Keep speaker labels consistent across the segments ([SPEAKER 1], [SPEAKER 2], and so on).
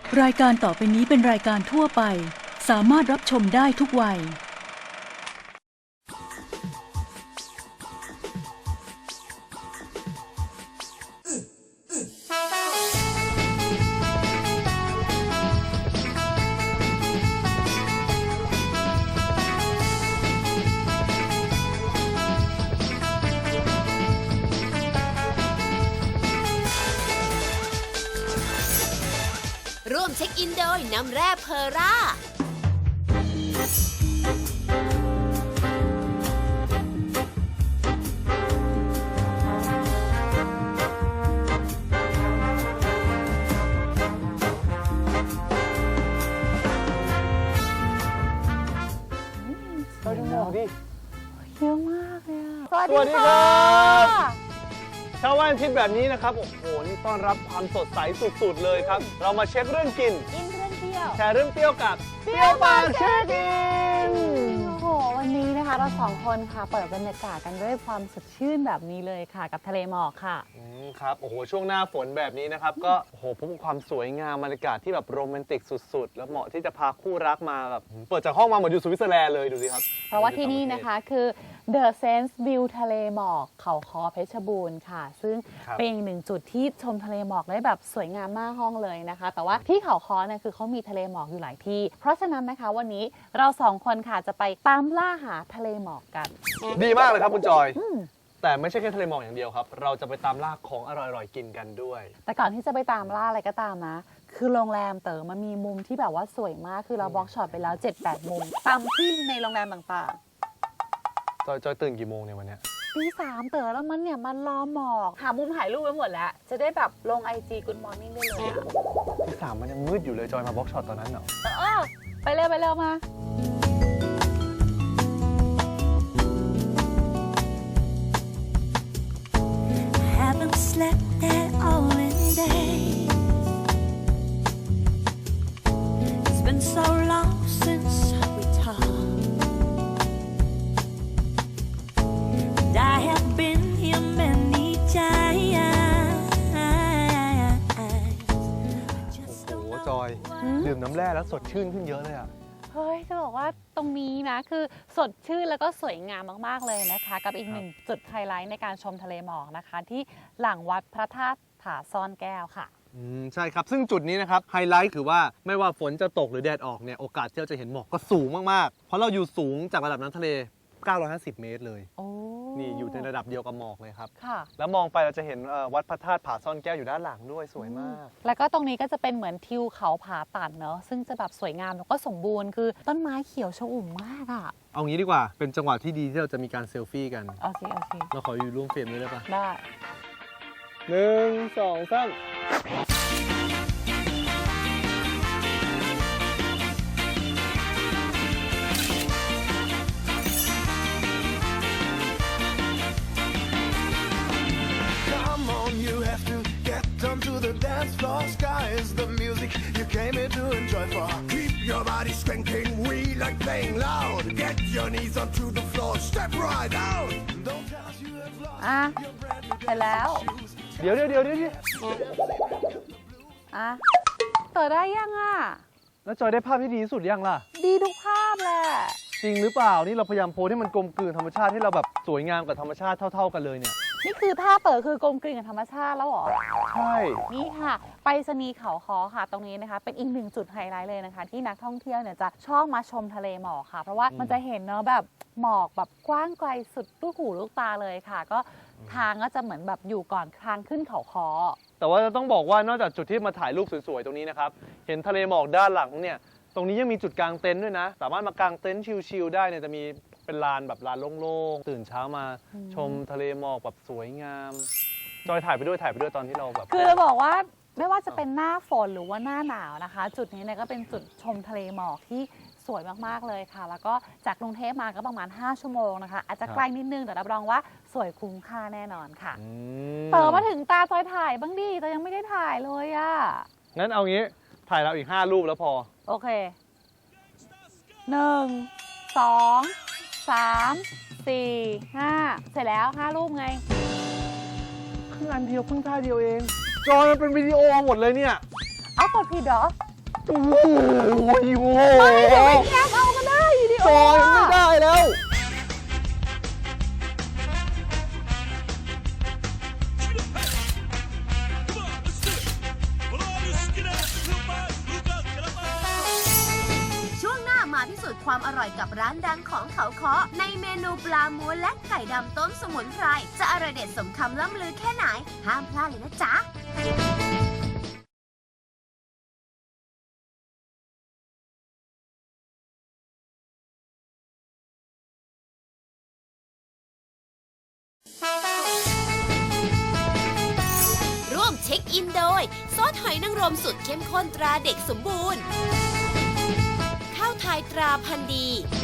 [SPEAKER 1] รายการต่อไปนี้เป็นรายการทั่วไปสามารถรับชมได้ทุกวัย
[SPEAKER 2] ร่วมเช็คอินโดยน้ำแร่เพอร่า
[SPEAKER 3] เราดูหมอกดิ
[SPEAKER 4] เยอะมากเลยอะ
[SPEAKER 3] สวัสดีครับเช้าวันอาทิตย์แบบนี้นะครับ โอ้โห นี่ต้อนรับความสดใสสุดๆเลยครับ เรามาเช็คเรื่องกิน
[SPEAKER 4] กินเรื่องเที่ยว
[SPEAKER 3] แชร์เรื่องเปรี้ยวกับเปรี้ยวปากเช็คอิน
[SPEAKER 4] โอ้โห วันนี้นะคะเราสองคนค่ะเปิดบรรยากาศกันด้วยความสดชื่นแบบนี้เลยค่ะกับทะเลหมอกค่ะ
[SPEAKER 3] ครับ โอ้โห ช่วงหน้าฝนแบบนี้นะครับ ก็โอ้โหพบกับความสวยงามบรรยากาศที่แบบโรแมนติกสุดๆ แล้วเหมาะที่จะพาคู่รักมาแบบเปิดจากห้องมาเหมือนอยู่สวิตเซอร์แลนด์เลยดูสิครับ
[SPEAKER 4] เพราะว่าที่นี่นะคะคือ The Sense View ทะเลหมอกเขาค้อเพชรบูรณ์ค่ะ ซึ่ง
[SPEAKER 3] ครับ
[SPEAKER 4] เป็นอีกหนึ่งจุดที่ชมทะเลหมอกได้แบบสวยงามมากห้องเลยนะคะ แต่ว่าที่เขาค้อเนี่ยคือเขามีทะเลหมอกอยู่หลายที่ เพราะฉะนั้นนะคะวันนี้เราสองคนค่ะจะไปตามล่าหาทะเลหมอกกัน
[SPEAKER 3] ดีมากเลยครับคุณจอย แต่ไม่ใช่แค่ทะเลหมอกอย่างเดียวครับ เราจะไปตามล่าของอร่อยๆกินกันด้วย
[SPEAKER 4] แต่ก่อนที่จะไปตามล่าอะไรก็ตามนะ คือโรงแรมเต๋อมันมีมุมที่แบบว่าสวยมาก คือเราบล็อกช็อตไปแล้ว 7-8 มุม ตามที่ในโรงแรมต่าง
[SPEAKER 3] จอยตื่นกี่โมงเนี่ยวันเนี้ย
[SPEAKER 4] ๆตี3เต๋อแล้วมันเนี่ยมันรอหมอก หามุมถ่ายรูปไว้หมดแล้ว จะได้แบบลง IG Good Morning ได้เลยอะ
[SPEAKER 3] ที่สามมันยังมืดอยู่เลยจอยมาบล็อกช็อตตอนนั้นเหรอ
[SPEAKER 4] ไปเร็วมา
[SPEAKER 5] Haven't slept at all in days. It's been so long since we talked. And I have been here many times.
[SPEAKER 3] โอ้โหจอย ดื่มน้ำแร่แล้วสดชื่นขึ้นเยอะเลยอ่ะ
[SPEAKER 4] เฮ้ย จะบอกว่าตรงนี้นะ คือสดชื่นแล้วก็สวยงามมากๆเลยนะคะ กับอีกหนึ่งจุดไฮไลท์ในการชมทะเลหมอกนะคะ ที่หลังวัดพระธาตุผาซ่อนแก้วค่ะ
[SPEAKER 3] ใช่ครับ ซึ่งจุดนี้นะครับไฮไลท์คือว่าไม่ว่าฝนจะตกหรือแดดออกเนี่ยโอกาสที่เราจะเห็นหมอกก็สูงมากๆ เพราะเราอยู่สูงจากระดับน้ำทะเล 950 เมตรเลย
[SPEAKER 4] โอ้
[SPEAKER 3] นี่อยู่ในระดับเดียวกับหมอกเลยครับ
[SPEAKER 4] ค่ะ
[SPEAKER 3] แล้วมองไปเราจะเห็นวัดพระธาตุผาซ่อนแก้วอยู่ด้านหลังด้วยสวยมาก
[SPEAKER 4] แล้วก็ตรงนี้ก็จะเป็นเหมือนทิวเขาผาตัดเนอะซึ่งจะแบบสวยงามแล้วก็สมบูรณ์คือต้นไม้เขียวชอุ่มมากอ่ะ
[SPEAKER 3] เอางี้ดีกว่าเป็นจังหวะที่ดีที่เราจะมีการเซลฟี่กัน
[SPEAKER 4] โอเค
[SPEAKER 3] เราขออยู่ร่วมเฟรมด้วยได้ปะ
[SPEAKER 4] ได้
[SPEAKER 3] 1 2 3
[SPEAKER 6] Come on, you have to get onto the dance floor. Sky is the music you came here to enjoy for. Keep your body skanking, we like playing loud. Get your knees onto the floor, step right out. Don't tell us you have lost
[SPEAKER 4] อ่ะ
[SPEAKER 6] your brand new
[SPEAKER 4] เสร็จแล้ว
[SPEAKER 3] เดี๋ยว
[SPEAKER 4] อ่ะเต๋อได้ยังอ่ะ
[SPEAKER 3] แล้วจอยได้ภาพที่ดีที่สุดยังล่ะ
[SPEAKER 4] ดีทุกภาพแหละ
[SPEAKER 3] จริงหรือเปล่า นี่เราพยายามโพสให้มันกลมกลืนธรรมชาติให้เราแบบสวยงามกับธรรมชาติเท่าๆกันเลยเนี่ย
[SPEAKER 4] นี่คือท่าเต๋อคือกลมกลืนกับธรรมชาติแล้วเหรอ
[SPEAKER 3] ใช่
[SPEAKER 4] นี่ค่ะ ไปรษณีย์เขาค้อค่ะ ตรงนี้นะคะ เป็นอีกหนึ่งจุดไฮไลท์เลยนะคะ ที่นักท่องเที่ยวเนี่ยจะชอบมาชมทะเลหมอกค่ะ เพราะว่ามันจะเห็นเนาะแบบหมอกแบบกว้างไกลสุดลูกหูลูกตาเลยค่ะ ก็ทางก็จะเหมือนแบบอยู่ก่อนทางขึ้นเขาค้อ
[SPEAKER 3] แต่ว่าจะต้องบอกว่านอกจากจุดที่มาถ่ายรูปสวยๆตรงนี้นะครับ เห็นทะเลหมอกด้านหลังเนี่ย ตรงนี้ยังมีจุดกางเต็นท์ด้วยนะ สามารถมากางเต็นท์ชิลๆได้เนี่ยจะมีเป็นลานแบบลานโล่งๆ ตื่นเช้ามาชมทะเลหมอกแบบสวยงาม จอยถ่ายไปด้วยตอนที่เราแบบ
[SPEAKER 4] คือจะบอกว่าไม่ว่าจะเป็นหน้าฝนหรือว่าหน้าหนาวนะคะ จุดนี้เนี่ยก็เป็นจุดชมทะเลหมอกที่สวยมากๆเลยค่ะ แล้วก็จากกรุงเทพมาก็ประมาณ5 ชั่วโมงนะคะ อาจจะไกลนิดนึงแต่รับรองว่าสวยคุ้มค่าแน่นอนค่ะ เต๋อมาถึงตาจอยถ่ายบ้างดิแต่ยังไม่ได้ถ่ายเลยอะ
[SPEAKER 3] งั้นเอางี้ถ่ายเราอีก5 รูปแล้วพอ
[SPEAKER 4] โอเค 1 2 3 4 5 เสร็จแล้ว5 รูปไง
[SPEAKER 3] เพิ่งอันเดียวเพิ่งท่าเดียวเอง จอยมันเป็นวิดีโอหมดเลยเนี่ย
[SPEAKER 4] เอากดผิดเหรอ
[SPEAKER 3] โอ้โหโอ้โห
[SPEAKER 4] เดี๋ยวไปแยกเอาก็ได้ดิ
[SPEAKER 3] จอยไม่ได้แล้ว
[SPEAKER 2] ช่วงหน้ามาพิสูจน์ความอร่อยกับร้านดังของเขาค้อในเมนูปลาม้วนและไก่ดำต้มสมุนไพรจะอร่อยเด็ดสมคำล่ำลือแค่ไหนห้ามพลาดเลยนะจ๊ะ ร่วมเช็คอินโดยซอสหอยนางรมสุดเข้มข้นตราเด็กสมบูรณ์ ข้าวไทยตราพันธุ์ดี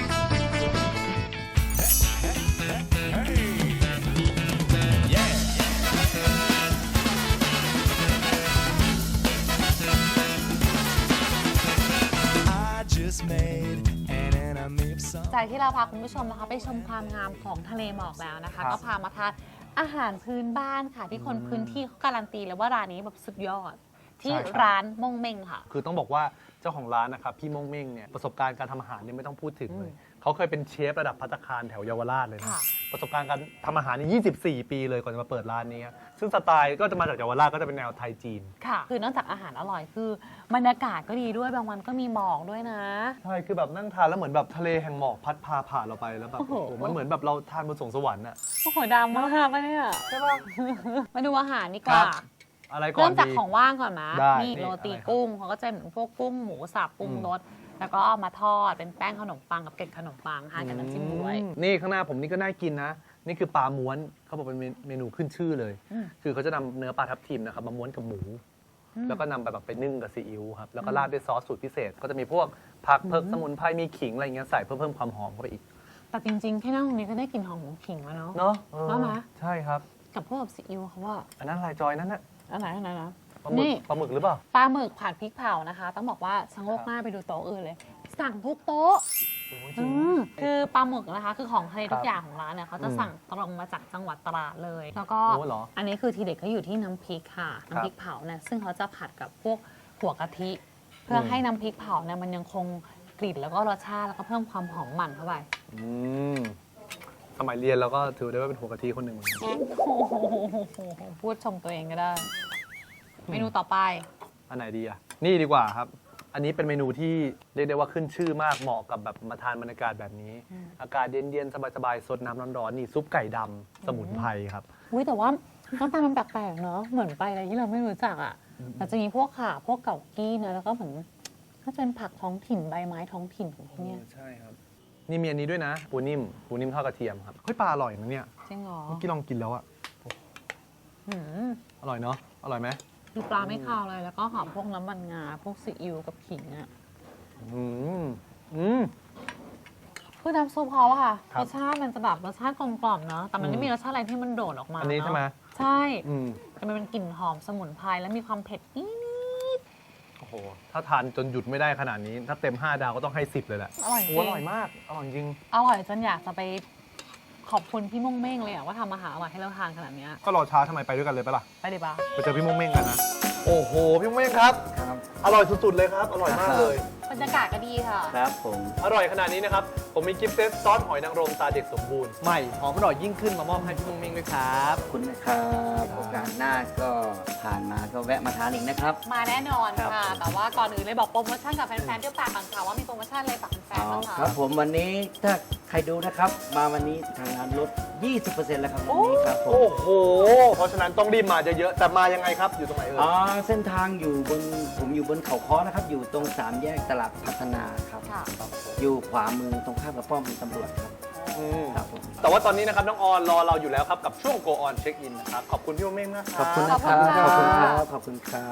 [SPEAKER 6] I just made an enemy of some.
[SPEAKER 4] จากที่เราพาคุณผู้ชมนะคะไปชมความงามของทะเลหมอกแล้วนะคะ
[SPEAKER 3] ครับ
[SPEAKER 4] ก็พามาทานอาหารพื้นบ้านค่ะที่คนพื้นที่เขาการันตีเลยว่าร้านนี้แบบสุดยอด ที่
[SPEAKER 3] ใช่ครับ
[SPEAKER 4] ร้านม่งเม่งค่ะ
[SPEAKER 3] คือต้องบอกว่าเจ้าของร้านนะครับพี่ม่งเม่งเนี่ยประสบการณ์การทำอาหารเนี่ยไม่ต้องพูดถึงเลยเขาเคยเป็นเชฟระดับภัตตาคารแถวเยาวราชเลยนะ
[SPEAKER 4] ค่ะ
[SPEAKER 3] ประสบการณ์การทำอาหารนี่24 ปีเลยก่อนจะมาเปิดร้านนี้ซึ่งสไตล์ก็จะมาจากเยาวราชก็จะเป็นแนวไทยจีน
[SPEAKER 4] ค่ะ คือนอกจากอาหารอร่อยคือบรรยากาศก็ดีด้วยบางวันก็มีหมอกด้วยนะ
[SPEAKER 3] ใช่คือแบบนั่งทานแล้วเหมือนแบบทะเลแห่งหมอกพัดพาผ่านเราไปแล้วแบบ
[SPEAKER 4] โอ้โห
[SPEAKER 3] โอ้โหมันเหมือนแบบเราทานบนสวงสวรรค์อะ
[SPEAKER 4] โอ้โหดำมากปะเนี่ย
[SPEAKER 3] ใช่ป่ะ
[SPEAKER 4] มาดูอาหารดีกว่า
[SPEAKER 3] อะไรก่อ
[SPEAKER 4] เริ่
[SPEAKER 3] น
[SPEAKER 4] มจาก
[SPEAKER 3] ดี
[SPEAKER 4] ของว่างก่อนนะ
[SPEAKER 3] ได้
[SPEAKER 4] นี่
[SPEAKER 3] นี่
[SPEAKER 4] โรตี
[SPEAKER 3] อะไรครับ
[SPEAKER 4] กุ้งเขาก็จะเหมือนพวกกุ้งหมูสับปรุงรสแล้วก็เอามาทอดเป็นแป้งขนมปังกับเกล็ดขนมปังทานกับน้ำจิ้มด้วย
[SPEAKER 3] นี่ข้างหน้าผมนี่ก็น่ากินนะ นี่คือปลาม้วนเขาบอกเป็นเมนูขึ้นชื่อเลย คือเขาจะนำเนื้อปลาทับทิมนะครับมาม้วนกับหมู แล้วก็นำไปแบบไปนึ่งกับซีอิ๊วครับแล้วก็ราดด้วยซอสสูตรพิเศษ ก็จะมีพวกผักเผือกสมุนไพรมีขิงอะไรเงี้ยใส่เพิ่มความหอมเข้าไปอีก
[SPEAKER 4] แต่จริงๆแค่นั่งตรงนี้ก็ได้กลิ่นหอมของขิงแล้วเนาะ
[SPEAKER 3] เนาะ
[SPEAKER 4] ว่าไหม
[SPEAKER 3] ใช่ครับ
[SPEAKER 4] กับพวกแบบซีอิ๊วเขาว่า
[SPEAKER 3] อันนั้นอะไรจอยนั่นน่ะ
[SPEAKER 4] อันไหนนะ
[SPEAKER 3] ปลาหมึก
[SPEAKER 4] นี่
[SPEAKER 3] ปลาหมึกหรือเปล่า
[SPEAKER 4] ปลาหมึกผัดพริกเผานะคะ ต้องบอกว่าชะโงกหน้าไปดูโต๊ะอื่นเลย สั่งทุกโต๊ะ
[SPEAKER 3] โอ้ยจริง
[SPEAKER 4] คือปลาหมึกนะคะ คือของทะเลทุ
[SPEAKER 3] ครั
[SPEAKER 4] ก
[SPEAKER 3] บ
[SPEAKER 4] อย่างของร้านเนี่ยเขาจะสั่งตรงมาจากจังหวัดตราดเลย แล้วก็
[SPEAKER 3] โอ้เหรอ
[SPEAKER 4] อันนี้คือทีเด็ดเขาอยู่ที่น้ำพริกค่ะ น้ำพริกเผาเนี่ยซึ่งเขาจะผัดกับพวกหัวกะทิ เพื่อให้น้ำพริกเผาเนี่ยมันยังคงกลิ่นแล้วก็รสชาติแล้วก็เพิ่มความหอมมันเข้าไป
[SPEAKER 3] อืมสมัยเรียนเราก็ถือได้ว่าเป็นหัวกะทิคนหนึ่งเหมือนกัน
[SPEAKER 4] โอ้โหพูดชมตัวเองก็ได้ เมนูต่อไป
[SPEAKER 3] อันไหนดีอ่ะ นี่ดีกว่าครับ อันนี้เป็นเมนูที่เรียกได้ว่าขึ้นชื่อมากเหมาะกับแบบมาทานบรรยากาศแบบนี้ อากาศเย็นๆ สบายๆ สดน้ำร้อนๆ นี่ซุปไก่ดำสมุนไพรครับ
[SPEAKER 4] อุ้ยแต่ว่าหน้าตามันแปลกๆเนาะเหมือนไปอะไรที่เราไม่รู้จักอ่ะแต่จะมีพวกข่าพวกเก่ากี้เนอะแล้วก็เหมือนก็จะเป็นผักท้องถิ่นใบไม้ท้องถิ่นของที่เนี่ย
[SPEAKER 3] ใช่ครับ นี่มีอันนี้ด้วยนะ ปูนิ่มทอดกระเทียมครับเฮ้ยปลาอร่อยนะเนี่ย
[SPEAKER 4] จริงเหรอ
[SPEAKER 3] เมื่อกี้ลองกินแล้วอะ
[SPEAKER 4] หืม
[SPEAKER 3] อร่อยเนาะ อร่อยไหม
[SPEAKER 4] คือปลาไม่คาวเลยแล้วก็หอมพวกน้ำมันงาพวกซีอิ๊วกับขิงอ่ะ
[SPEAKER 3] อืมอืม
[SPEAKER 4] คือน้ำซุปเขาอะค่ะ
[SPEAKER 3] ครั
[SPEAKER 4] ร
[SPEAKER 3] บ
[SPEAKER 4] สชาติมันจะแบบรสชาติกลมกล่อมเนาะแต่มันไม่มีรสชาติอะไรที่มันโดดออกมา
[SPEAKER 3] อันนี้ใช่ไหม
[SPEAKER 4] เาะใช่
[SPEAKER 3] อืม
[SPEAKER 4] แต่มันเป็นกลิ่นหอมสมุนไพรแล้วมีความเผ็ดนิด
[SPEAKER 3] โอ้โห ถ้าทานจนหยุดไม่ได้ขนาดนี้ ถ้าเต็ม 5 ดาวก็ต้องให้ 10 เลยแหละ
[SPEAKER 4] ๆอร่อยจ
[SPEAKER 3] โอ้
[SPEAKER 4] ริ
[SPEAKER 3] อง ร่อยมาก อร่อยจริง
[SPEAKER 4] อร่อยจนอยากจะไปขอบคุณพี่ม่งเม่งเลยอะว่าทำอาหารอร่อยให้เราทานขนาดเนี้ย
[SPEAKER 3] ก็รอช้าทำไมไปด้วยกันเลยปะล่ะ
[SPEAKER 4] ไปเลยปะ
[SPEAKER 3] ไปเจอพี่ม่งเม่งกันนะ โอ้โห พี่ม่งเม่งครับ อร่อยสุดๆเลยครับ อร่อยมากเลย
[SPEAKER 4] บรรยากาศก็ดีค่ะ
[SPEAKER 7] ครับผม
[SPEAKER 3] อร่อยขนาดนี้นะครับ ผมมีกิฟต์เซตซอสหอยนางรมตาเด็กสมบูรณ์ ใหม่ หอมอร่อยยิ่งขึ้นมามอบให้พี่ม่งเม่งด้วยครับ
[SPEAKER 7] ขอบคุณนะครับโอกาสหน้าก็ผ่านมาก็แวะมาทานอีกนะครับ
[SPEAKER 4] มาแน่นอน
[SPEAKER 7] ครับ
[SPEAKER 4] ค่ะ แต่ว่าก่อนอื่นเลยบอกโปรโมชั่นกับแฟนๆด้วยปากก่อนค่ะว่ามีโปรโมชั่นอะไรฝากแฟนๆบ้าง
[SPEAKER 7] ค
[SPEAKER 4] คะ
[SPEAKER 7] รับผมวันนี้ถ้าใครดูนะครับ มาวันนี้ทางร้านลด 20%แล้วครับวันนี้ครับผม
[SPEAKER 3] โอ้โห เพราะฉะนั้นต้องรีบมาเยอะๆ แต่มายังไงครับ อยู่ตรงไหนเอ่ย
[SPEAKER 7] เส้นทางอยู่บนผมอยู่บนเขาค้อนะครับ อยู่ตรง3แยกตลาดพัฒนาครับ
[SPEAKER 4] ค่ะ
[SPEAKER 7] อยู่ขวามือตรงข้ามกับป้อมตำรวจครับ
[SPEAKER 3] อืม
[SPEAKER 7] ครับผม
[SPEAKER 3] แต่ว่าตอนนี้นะครับ น้องออนรอเราอยู่แล้วครับ กับช่วง Go On Check In นะครับ ขอบคุณพี่ม่งเม่งนะครับ
[SPEAKER 7] ขอบคุณนะครับ
[SPEAKER 4] ขอบคุณค่ะ
[SPEAKER 7] ขอบคุณครับ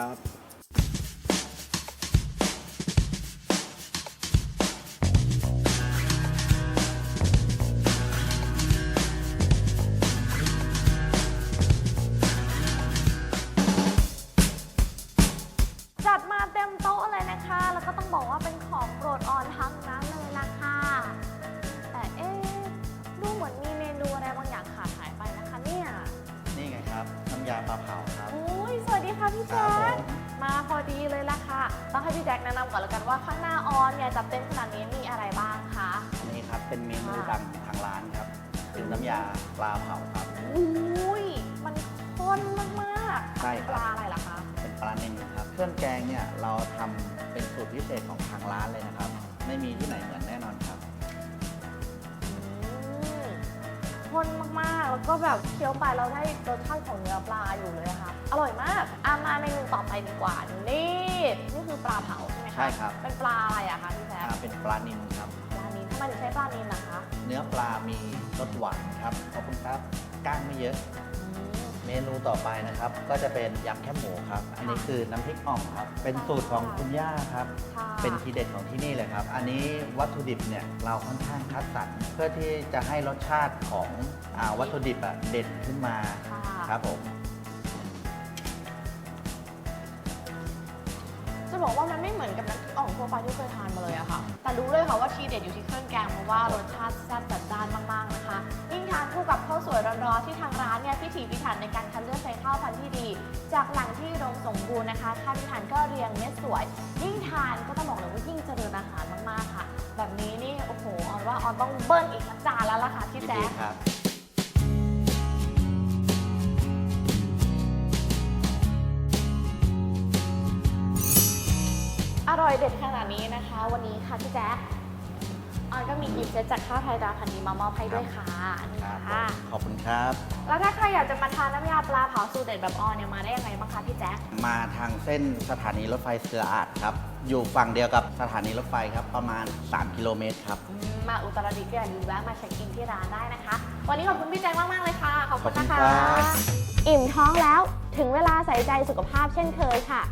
[SPEAKER 8] จัดมาเต็มโต๊ะเลยนะคะ แล้วก็ต้องบอกว่าเป็นของโปรดออนทั้งนั้นเลยล่ะค่ะ แต่เอ๊ะดูเหมือนมีเมนูอะไรบางอย่างขาดหายไปนะคะเนี่ย
[SPEAKER 9] นี่ไงครับ น้ำยาปลาเผาครับ
[SPEAKER 8] อุ้ยสวัสดีค่ะพี่แจ๊คมาพอดีเลยล่ะค่ะ ต้องให้พี่แจ็คแนะนำก่อนแล้วกันว่าข้างหน้าออนเนี่ยจัดเต็มขนาดนี้มีอะไรบ้างคะ
[SPEAKER 7] อันนี้ครับเป็นเมนูดังของทางร้านครับเป็นน้ำยาปลาเผาครับ
[SPEAKER 8] อุ้ยมันข้นมากๆ
[SPEAKER 7] ใช่ครับ
[SPEAKER 8] ปลาอะไรล่ะคะ
[SPEAKER 7] เป็นปลาเนนครับเครื่องแกงเนี่ยเราทำเป็นสูตรพิเศษของทางร้านเลยนะครับ ไม่มีที่ไหนเหมือนแน่นอนครับ
[SPEAKER 8] ข้นมากๆ แล้วก็แบบเคี้ยวไปเราได้รสชาติของเนื้อปลาอยู่เลยอะค่ะ อร่อยมากมาเมนูต่อไปดีกว่า นี่คือปลาเผาใช่ไหมคะ
[SPEAKER 7] ใช่ครับ
[SPEAKER 8] เป็นปลาอะไรอะคะพี่แจ๊ค
[SPEAKER 7] เป็นปลานิลครับ
[SPEAKER 8] ปลานิลทำไมถึงใช้ปลานิลล่ะคะ
[SPEAKER 7] เนื้อปลามีรสหวานครับขอบคุณครับก้างไม่เยอะ เมนูต่อไปนะครับ ก็จะเป็นยำแคบหมูครับ อันนี้คือน้ำพริกอ่องครับ เป็นสูตรของคุณย่าครับ
[SPEAKER 8] ค่ะ
[SPEAKER 7] เป็นทีเด็ดของที่นี่เลยครับ อันนี้วัตถุดิบเนี่ยเราค่อนข้างคัดสรรเพื่อที่จะให้รสชาติของวัตถุดิบเด่นขึ้นมา
[SPEAKER 8] ค่ะ
[SPEAKER 7] ครับผม
[SPEAKER 8] จะบอกว่ามันไม่เหมือนกับน้ำพริกอ่องทั่วไปที่เคยทานมาเลยอะค่ะ แต่รู้เลยค่ะว่าทีเด็ดอยู่ที่เครื่องแกงเพราะว่ารสชาติแซ่บจัดจ้านมากๆนะคะ ยิ่งทานคู่กับข้าวสวยร้อนๆที่ทางร้านเนี่ยพิถีพิถันในการคัดเลือกใช้ข้าวพันธุ์ที่ดี จากแหล่งที่อุดมสมบูรณ์นะคะข้าวที่ทานก็เรียงเม็ดสวย ยิ่งทานก็ต้องบอกเลยว่ายิ่งเจริญอาหารมากๆค่ะ แบบนี้นี่โอ้โหออนว่าออนต้องเบิ้ลอีกสักจานแล้วล่ะค่ะพี่แจ๊ค
[SPEAKER 7] ครับ
[SPEAKER 8] อร่อยเด็ดขนาดนี้นะคะ วันนี้ค่ะพี่แจ๊คออนก็มีกิฟต์เซตจากข้าวไทยดาวพันธุ์ดีมามอบให้ด้วยค่ะอันนี้
[SPEAKER 7] ครับ
[SPEAKER 8] ค่ะ
[SPEAKER 7] ขอบคุณครับ
[SPEAKER 8] แล้วถ้าใครอยากจะมาทานน้ำยาปลาเผาสูตรเด็ดแบบออนเนี่ยมาได้ยังไงบ้างคะพี่แจ๊ค
[SPEAKER 7] มาทางเส้นสถานีรถไฟเสืออาดครับ อยู่ฝั่งเดียวกับสถานีรถไฟครับ ประมาณ 3 กิโลเมตรครับ
[SPEAKER 8] มาอุตรดิตถ์ก็อย่าลืมแวะมาเช็คอินที่ร้านได้นะคะ วันนี้ขอบคุณพี่แจ๊คมาก ๆ เลยค่ะ ขอบคุณนะ
[SPEAKER 7] ขอบคุณ
[SPEAKER 8] คะ
[SPEAKER 7] ครับ
[SPEAKER 8] อิ่มท้องแล้วถึงเวลาใส่ใจสุขภาพเช่นเคยค่ะ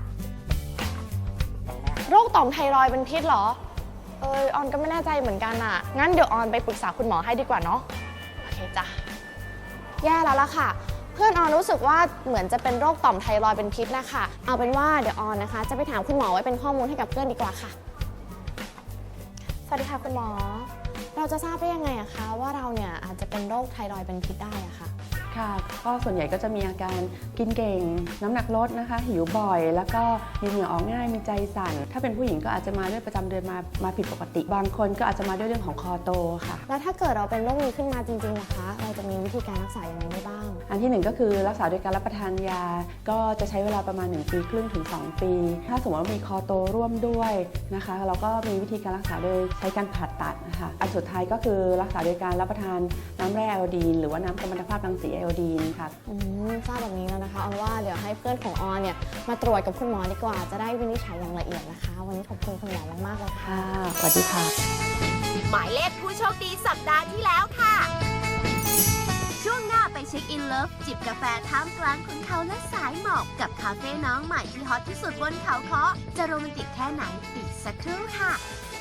[SPEAKER 8] โรคต่อมไทรอยด์เป็นพิษเหรอ ออนก็ไม่แน่ใจเหมือนกันอ่ะ งั้นเดี๋ยวออนไปปรึกษาคุณหมอให้ดีกว่าเนาะ โอเคจ้ะ แย่แล้วล่ะค่ะ เพื่อนออนรู้สึกว่าเหมือนจะเป็นโรคต่อมไทรอยด์เป็นพิษนะคะ เอาเป็นว่าเดี๋ยวออนนะคะ จะไปถามคุณหมอไว้เป็นข้อมูลให้กับเพื่อนดีกว่าค่ะ สวัสดีค่ะคุณหมอ เราจะทราบได้ยังไงอะคะว่าเราเนี่ยอาจจะเป็นโรคไทรอยด์เป็นพิษได้อะค่ะ
[SPEAKER 9] ค่ะก็ส่วนใหญ่ก็จะมีอาการกินเก่ง น้ำหนักลดนะคะ หิวบ่อย แล้วก็มีเหงื่อออกง่าย มีใจสั่น ถ้าเป็นผู้หญิงก็อาจจะมาด้วยประจำเดือนมาผิดปกติ บางคนก็อาจจะมาด้วยเรื่องของคอโตค่ะ
[SPEAKER 8] แล้วถ้าเกิดเราเป็นโรคนี้ขึ้นมาจริงๆนะคะ เราจะมีวิธีการรักษาอย่างไรได้บ้าง
[SPEAKER 9] อันที่หนึ่งก็คือรักษาโดยการรับประทานยา ก็จะใช้เวลาประมาณ1 ปีครึ่งถึง 2 ปี ถ้าสมมติว่ามีคอโตร่วมด้วยนะคะ เราก็มีวิธีการรักษาโดยใช้การผ่าตัดนะคะ อันสุดท้ายก็คือรักษาโดยการรับประทานน้ำแร่ไอโอดีนหรือว่าน้ำกัมมันตภาพรังสีไอโอดีนค่ะ
[SPEAKER 8] ทราบแบบนี้แล้วนะคะออนว่าเดี๋ยวให้เพื่อนของออนเนี่ยมาตรวจกับคุณหมอดีกว่า จะได้วินิจฉัยอย่างละเอียดนะคะ วันนี้ขอบคุณคุณหมอมากๆเลยค่ะ
[SPEAKER 9] ค่ะ สวัสดีค่ะ
[SPEAKER 2] หมายเลขผู้โชคดีสัปดาห์ที่แล้วค่ะ ช่วงหน้าไปเช็คอินเลิฟจิบกาแฟท่ามกลางขุนเขาและสายหมอกกับคาเฟ่น้องใหม่ที่ฮอตที่สุดบนเขาค้อจะโรแมนติกแค่ไหนอีกสักครู่ค่ะ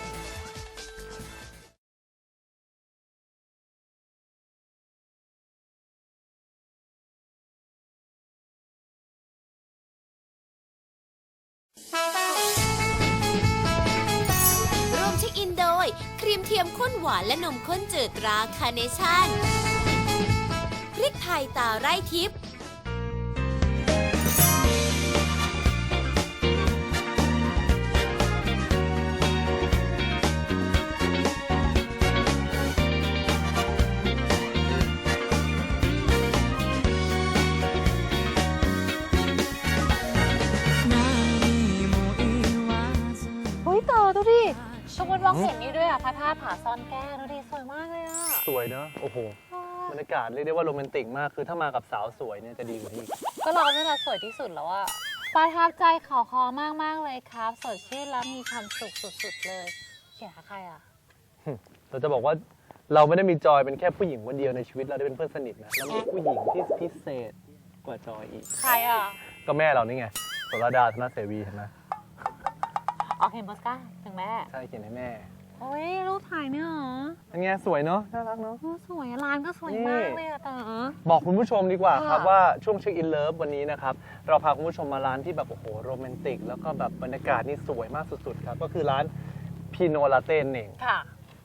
[SPEAKER 2] ร่วมเช็คอินโดย ครีมเทียมข้นหวานและนมข้นจืดตราคาร์เนชั่น พริกไทยตาไร่ทิพย์
[SPEAKER 4] เฮ้ยเต๋อดูดิตรงบนมองเห็นนี่ด้วยอ่ะพระธาตุผาซ่อนแก้วดูดิสวยมากเลยอ่ะ
[SPEAKER 3] สวยเนอะโอ้โห บรรยากาศเรียกได้ว่าโรแมนติกมาก คือถ้ามากับสาวสวยเนี่ยจะดีกว่านี้
[SPEAKER 4] ก็เราเนี่ยแหละสวยที่สุดแล้วอ่ะประทับใจเขาคอมากๆเลยครับ สดชื่นแล้วมีความสุขสุดๆเลยเขียนหาใครอ่ะ
[SPEAKER 3] เราจะบอกว่าเราไม่ได้มีจอยเป็นแค่ผู้หญิงคนเดียวในชีวิตเราได้เป็นเพื่อนสนิทนะเรามีผู้หญิงที่พิเศษกว่าจอยอีก
[SPEAKER 4] ใครอ่ะ
[SPEAKER 3] ก็แม่เรานี่ไงโสรดาธนเสวีเห็นไหม
[SPEAKER 4] ออกเห็นโปสการ์ดถึงแม่
[SPEAKER 3] ใช่เขียนให้แม่
[SPEAKER 4] โอ้ยรูปถ่ายเนี่ยเหรอ
[SPEAKER 3] อันไงสวยเนาะน่ารักเนาะ
[SPEAKER 4] โอ้สวยอะร้านก็สวยมากเลยอะเต๋อ
[SPEAKER 3] บอกคุณผู้ชมดีกว่าครับ
[SPEAKER 4] ค่ะ
[SPEAKER 3] ว่าช่วงเช็คอินเลิฟวันนี้นะครับเราพาคุณผู้ชมมาร้านที่แบบโอ้โหโรแมนติกแล้วก็แบบบรรยากาศนี่สวยมากสุดๆครับก็คือร้านพีโนลาเต้นเอง
[SPEAKER 4] ค่ะ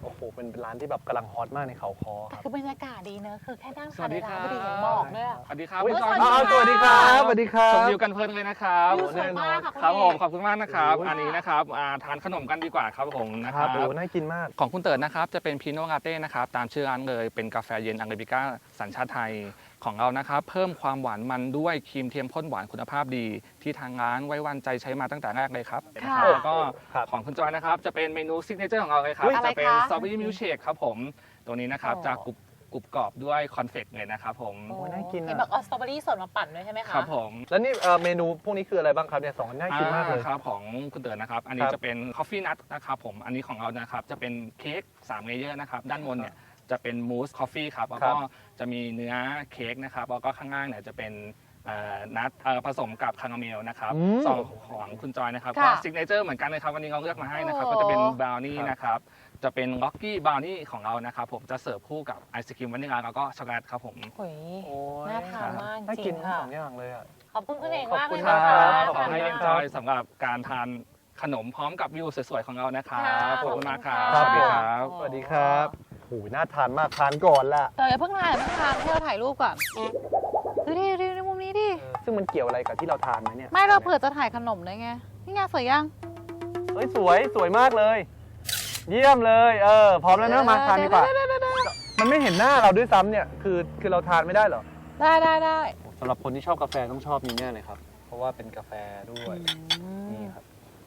[SPEAKER 3] โอ้โหเป็นร้านที่แบบกำลังฮอตมากในเขาคอครับ
[SPEAKER 4] คือบรรยากาศดีเนอะคือแค่นั่ง
[SPEAKER 10] สวัสดี
[SPEAKER 4] ทาน
[SPEAKER 10] ค
[SPEAKER 4] ใน
[SPEAKER 10] รับ
[SPEAKER 4] ร้านก็ดีเห็นหมอกด้วยอะ
[SPEAKER 10] สวัสดีครับ
[SPEAKER 3] อุ๊ย
[SPEAKER 10] คุณจอย
[SPEAKER 3] สวัสดีครับสวัสดีครับ
[SPEAKER 10] ชมวิวกันเพลินเลยนะครับ
[SPEAKER 4] วิวสวยมากค่ะ
[SPEAKER 10] ครับ
[SPEAKER 4] ณ
[SPEAKER 10] ผม
[SPEAKER 4] เอก
[SPEAKER 10] ขอบคุณมากนะครับ
[SPEAKER 3] โอ้ย
[SPEAKER 10] อันนี้นะครับทานขนมกันดีกว่าครับผมนะ
[SPEAKER 3] ค
[SPEAKER 10] ค
[SPEAKER 3] รั
[SPEAKER 10] รั
[SPEAKER 3] บบ โอ้น่ากินมาก
[SPEAKER 10] ของคุณเติร์ดนะครับจะเป็นพีโน่ลาเต้นะครับตามชื่อร้านเลยเป็นกาแฟเย็นอังเรบิก้าสัญชาติไทยของเรานะครับเพิ่มความหวานมันด้วยครีมเทียมข้นหวานคุณภาพดี ที่ทางร้านไว้วางใจใช้มาตั้งแต่แรกเลยครับ
[SPEAKER 4] ค่ะ
[SPEAKER 10] แล้วก็
[SPEAKER 3] ครับ
[SPEAKER 10] ของคุณจอยนะครับจะเป็นเมนูซิกเนเจอร์ของเราเลยครับ
[SPEAKER 4] อุ๊ยอะไร
[SPEAKER 10] จะเป็น
[SPEAKER 4] คะ
[SPEAKER 10] สตรอเบอรี่มิลค์เชคครับผมตัวนี้นะครับ
[SPEAKER 4] อ๋อ
[SPEAKER 10] จะกรุบกรอบด้วยคอนเฟกต์เลยนะครับผม
[SPEAKER 3] โอ้น่ากินอะ
[SPEAKER 4] เห็นบอกเอาสตรอเบอรี่สดมาปั่นด้วยใช่ไหมคะ
[SPEAKER 10] ครับผม
[SPEAKER 3] แล้วนี่เมนูพวกนี้คืออะไรบ้างครับเนี่ยสองอันน่ากินมากเลย
[SPEAKER 10] ครับของคุณเตือนนะครับ อันนี้
[SPEAKER 3] ครับ
[SPEAKER 10] จะเป็นคอฟฟี่นัทนะครับผม อันนี้ของเรานะครับจะเป็นเค้ก3เลเยอร์นะครับ ด้านบนเนี่ยจะเป็นมูสคอฟฟี่ครับ แล้วก็จะมีเนื้อเค้กนะครับ แล้วก็ข้างล่างเนี่ยจะเป็นนัทผสมกับคาราเมลนะครับ
[SPEAKER 3] อืม
[SPEAKER 10] ส่วนของคุณจอยนะครับ
[SPEAKER 4] ค่ะ
[SPEAKER 10] ก็ซิกเนเจอร์เหมือนกันเลยครับ วันนี้เราเลือกมาให้นะครับ
[SPEAKER 4] โอ้
[SPEAKER 10] ก็จะเป็นบราวนี่
[SPEAKER 3] ครับ
[SPEAKER 10] นะครับ จะเป็นล็อกกี้บราวนี่ของเรานะครับผม จะเสิร์ฟคู่กับไอศครีมวานิลาแล้วก็ช็อกโกแลตครับผม
[SPEAKER 4] โอ้ย
[SPEAKER 3] โอ้ย
[SPEAKER 4] น่าทานมาก
[SPEAKER 3] น่า
[SPEAKER 4] จ
[SPEAKER 3] กิ
[SPEAKER 4] ริ
[SPEAKER 3] น
[SPEAKER 4] ง
[SPEAKER 3] ทั้ง
[SPEAKER 4] ค่ะ
[SPEAKER 3] สองอย่างเลยอ่ะ
[SPEAKER 4] ขอบคุณคุณเอก
[SPEAKER 3] ขอบ
[SPEAKER 4] มาก
[SPEAKER 3] คุ
[SPEAKER 4] เลย
[SPEAKER 3] ณ
[SPEAKER 4] นะ
[SPEAKER 3] ครั
[SPEAKER 4] คะ
[SPEAKER 3] บ
[SPEAKER 10] ขอให้เอ็นจอยสำหรับการทานขนมพร้อมกับวิวสวยๆของเรานะครับ
[SPEAKER 4] ค่ะ
[SPEAKER 10] ขอบคุณมากครับ
[SPEAKER 3] ครับ
[SPEAKER 10] สวัสดีครับ
[SPEAKER 3] สวัสดีครับโอ้ยน่าทานมากทานก่อนละ
[SPEAKER 4] แต่อย่าเพิ่งทานให้เราถ่ายรูปก่อนดูดิดูในมุมนี้ดิ
[SPEAKER 3] ซึ่งมันเกี่ยวอะไรกับที่เราทานไหมเนี่ย
[SPEAKER 4] ไม่เราเผื่อจะถ่ายขนมด้วยไง นี่ไงสวยยัง
[SPEAKER 3] เฮ้ยสวยมากเลย เยี่ยมเลยพร้อมแล้วนะมาทานดีกว่า มันไม่เห็นหน้าเราด้วยซ้ำเนี่ยคือเราทานไม่ได้เหรอ
[SPEAKER 4] ได้
[SPEAKER 3] สำหรับคนที่ชอบกาแฟต้องชอบนี้แน่เลยครับ เพราะว่าเป็นกาแฟด้วยนี่ครับ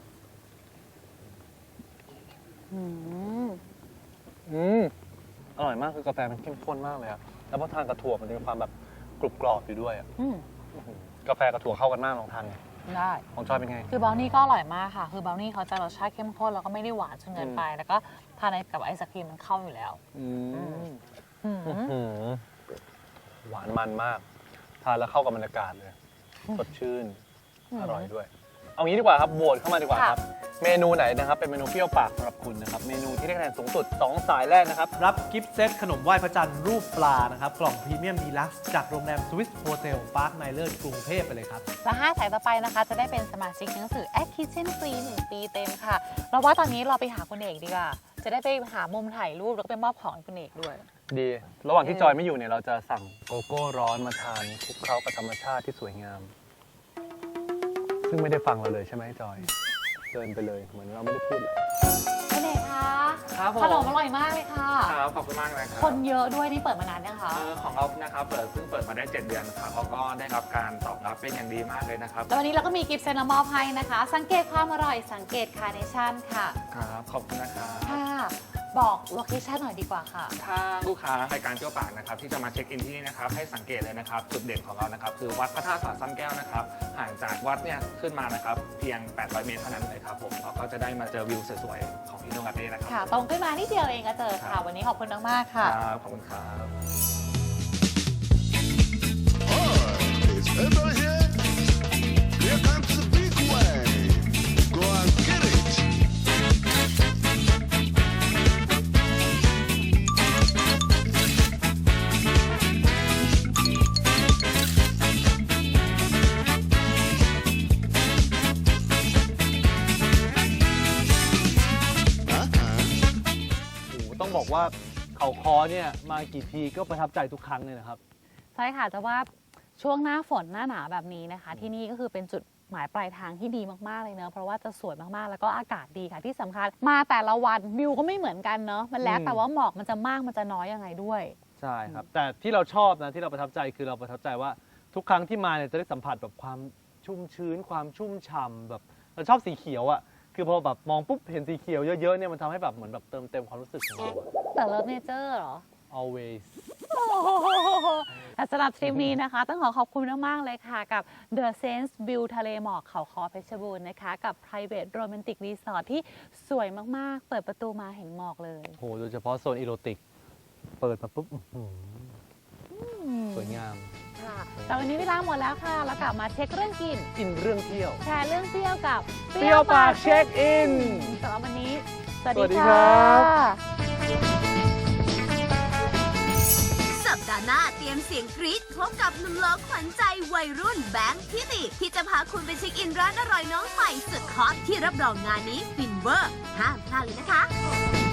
[SPEAKER 3] อร่อยมากคือกาแฟมันเข้มข้นมากเลยอะแล้วพอทานกับถั่วมันจะมีความแบบกรุบกรอบอยู่ด้วยอะกาแฟกับถั่วเข้ากันมากลองทานไง
[SPEAKER 4] ได้
[SPEAKER 3] ของจอยเป็นไง
[SPEAKER 4] คือบราวนี่ก็อร่อยมากค่ะ คือบราวนี่เขาจะรสชาติเข้มข้นแล้วก็ไม่ได้หวานจนเกินไป แล้วก็ทานกับไอศครีมมันเข้าอยู่แล้ว
[SPEAKER 3] หวานมันมาก ทานแล้วเข้ากับบรรยากาศเลยสดชื่น อร่อยด้วย เอางี้ดีกว่าครับโหวตเข้ามาดีกว่าครับ เมนูไหนนะครับเป็นเมนูเปรี้ยวปากสำหรับคุณนะครับเมนูที่ได้คะแนนสูงสุด 2 สายแรกนะครับ
[SPEAKER 11] รับกิฟต์เซตขนมไหว้พระจันทร์รูปปลานะครับ กล่องพรีเมียมดีลักซ์จากโรงแรมสวิสโฮเทลพาร์คไนเลอร์กรุงเทพไปเลยครับ
[SPEAKER 4] และ5 สายต่อไปนะคะ จะได้เป็นสมาชิกหนังสือ At Kitchen ฟรี1 ปีเต็มค่ะ เราว่าตอนนี้เราไปหาคุณเอกดีกว่า จะได้ไปหามุมถ่ายรูปแล้วก็ไปมอบของให้คุณเอกด้วย
[SPEAKER 3] ดี ระหว่างที่จอยไม่อยู่เนี่ยเราจะสั่งโกโก้ร้อนมาทานคลุกเคล้ากับธรรมชาติที่สวยงาม ซึ่งไม่ได้ฟังเราเลยใช่ไหมจอยเดินไปเลยเหมือนเราไม่ได้พูดเลย
[SPEAKER 4] คุณเอกคะ
[SPEAKER 10] ครับผม
[SPEAKER 4] ขนมอร่อยมากเลยค่ะ
[SPEAKER 10] ครับขอบคุณมากเลยครับ
[SPEAKER 4] คนเยอะด้วยนี่เปิดมานานยังคะ
[SPEAKER 10] ของเรานะครับเพิ่งเปิดมาได้ 7 เดือนครับเขาก็ได้รับการตอบรับเป็นอย่างดีมากเลยนะครับ
[SPEAKER 4] แล้ววันนี้เราก็มีกิฟต์เซตมามอบให้นะคะ สังเกตความอร่อยสังเกตคาร์เนชั่นค่ะ
[SPEAKER 10] ครับขอบคุณนะครับ
[SPEAKER 4] ค่ะ บอกโลเคชั่นหน่อยดีกว่าค่ะ
[SPEAKER 10] ถ้าลูกค้ารายการเที่ยวปากนะครับที่จะมาเช็คอินที่นี่นะครับให้สังเกตเลยนะครับจุดเด่นของเรานะครับคือวัดพระธาตุผาซ่อนแก้วนะครับห่างจากวัดเนี่ยขึ้นมานะครับเพียง 800 เมตรเท่านั้นเลยครับผมเราก็จะได้มาเจอวิวสวยๆของอินโดนีเซียนะครับ
[SPEAKER 4] ค่ะ ตรงขึ้นมานิดเดียวเองก็เจอค่ะ วันนี้ขอบคุณมากๆค่ะ
[SPEAKER 10] ครับขอบคุณครับ
[SPEAKER 6] It's ever here. Here comes the big wave. Go and get it.
[SPEAKER 3] โอ้โหต้องบอกว่าเขาคอเนี่ยมากี่ทีก็ประทับใจทุกครั้งเลยนะครับ
[SPEAKER 4] ใช่ค่ะจะว่าช่วงหน้าฝนหน้าหนาวแบบนี้นะคะ ที่นี่ก็คือเป็นจุดหมายปลายทางที่ดีมากๆเลยเนอะเพราะว่าจะสวยมากๆแล้วก็อากาศดีค่ะที่สำคัญมาแต่ละวันวิวก็ไม่เหมือนกันเนอะมันแล้วแต่ว่าหมอกมันจะมากมันจะน้อยยังไงด้วย
[SPEAKER 3] ใช่ครับ แต่ที่เราชอบนะที่เราประทับใจคือเราประทับใจว่าทุกครั้งที่มาเนี่ยจะได้สัมผัสแบบความชุ่มชื้น ความชุ่มฉ่ำแบบเราชอบสีเขียวอ่ะคือพอแบบมองปุ๊บเห็นสีเขียวเยอะๆเนี่ยมันทำให้แบบเหมือนแบบเติมเต็มความรู้สึกของเราอะ
[SPEAKER 4] แต่เลิฟเนเจอร์เหรอ
[SPEAKER 3] always
[SPEAKER 4] แต่สำหรับทริปนี้นะคะ ต้องขอบคุณมากๆเลยค่ะกับ The Sense View ทะเลหมอกเขาคอเพชรบูรณ์นะคะกับ Private Romantic Resort ที่สวยมากๆ เปิดประตูมาเห็นหมอกเลย
[SPEAKER 3] โหโดยเฉพาะโซนอีโรติกเปิดมาปุ๊บสวยงาม
[SPEAKER 4] ค่ะแต่วันนี้เวลาหมดแล้วค่ะ แล้วกลับมาเช็คเรื่องกิน
[SPEAKER 3] อินเรื่องเที่ยว
[SPEAKER 4] แชร์เรื่องเที่ยวกับ
[SPEAKER 3] เปรี้ยวปากเช็คอิน
[SPEAKER 4] สำหรับวันนี้ ส
[SPEAKER 3] สวั
[SPEAKER 4] วัส
[SPEAKER 3] สดี
[SPEAKER 4] ดี
[SPEAKER 3] ครั
[SPEAKER 4] ค่ะ
[SPEAKER 3] บ
[SPEAKER 2] สัปดาห์หน้าเตรียมเสียงกรี๊ดพบกับหนุ่มหล่อขวัญใจวัยรุ่นแบงค์ทิติที่จะพาคุณไปเช็คอินร้านอร่อยน้องใหม่สุดฮอตที่รับรองงานนี้ฟินเวอร์ห้ามพลาดเลยนะคะ